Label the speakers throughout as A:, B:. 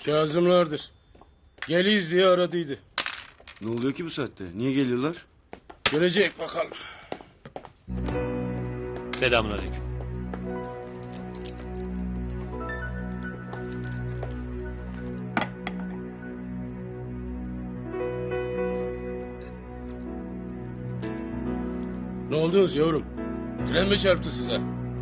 A: Kazımlardır. Geliyiz diye aradıydı.
B: Ne oluyor ki bu saatte? Niye geliyorlar?
A: Görecek bakalım.
C: Selamünaleyküm.
A: Ne oldunuz yavrum? Tren mi çarptı size?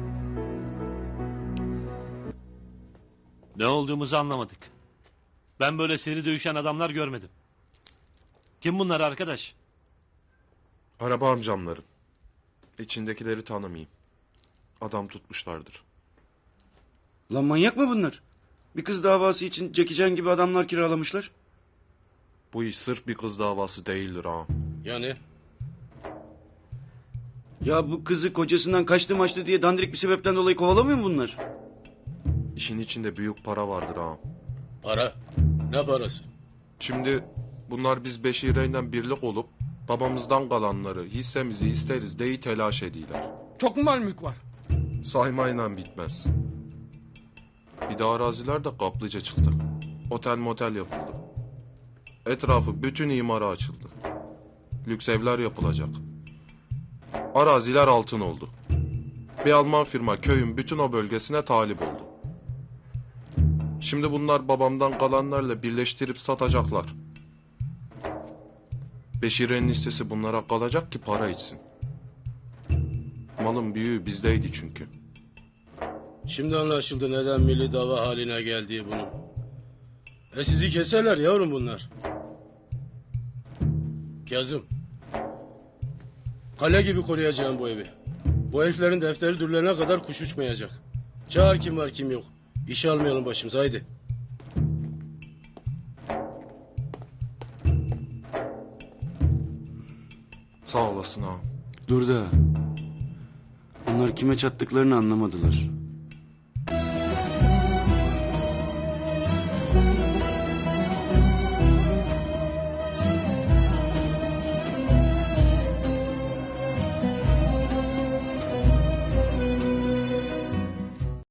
C: Ne olduğumuzu anlamadık. Ben böyle seri dövüşen adamlar görmedim. Kim bunlar arkadaş?
D: Araba amcamların. İçindekileri tanımayayım. Adam tutmuşlardır.
B: Lan manyak mı bunlar? Bir kız davası için Jackie Chan gibi adamlar kiralamışlar.
D: Bu iş sırf bir kız davası değildir ağam.
A: Yani?
B: Ya bu kızı kocasından kaçtı diye dandirik bir sebepten dolayı kovalamıyor mu bunlar?
D: İşin içinde büyük para vardır ağam.
A: Para. Ne parası?
D: Şimdi bunlar biz Beşire'yle birlik olup babamızdan kalanları hissemizi isteriz deyi telaş ediyorlar.
A: Çok mu mal mülk var?
D: Saymayla bitmez. Bir de araziler de kaplıca çıktı. Otel motel yapıldı. Etrafı bütün imara açıldı. Lüks evler yapılacak. Araziler altın oldu. Bir Alman firma köyün bütün o bölgesine talip oldu. Şimdi bunlar babamdan kalanlarla birleştirip satacaklar. Beşire'nin hissesi bunlara kalacak ki para içsin. Malın büyüğü bizdeydi çünkü.
A: Şimdi anlaşıldı neden milli dava haline geldiği bunun. Sizi keserler yavrum bunlar. Kazım. Kale gibi koruyacağım bu evi. Bu heriflerin defteri dürülene kadar kuş uçmayacak. Çağır kim var kim yok. İşe almayalım başımıza haydi.
D: Sağ olasın ağam.
B: Dur da. Onlar kime çattıklarını anlamadılar.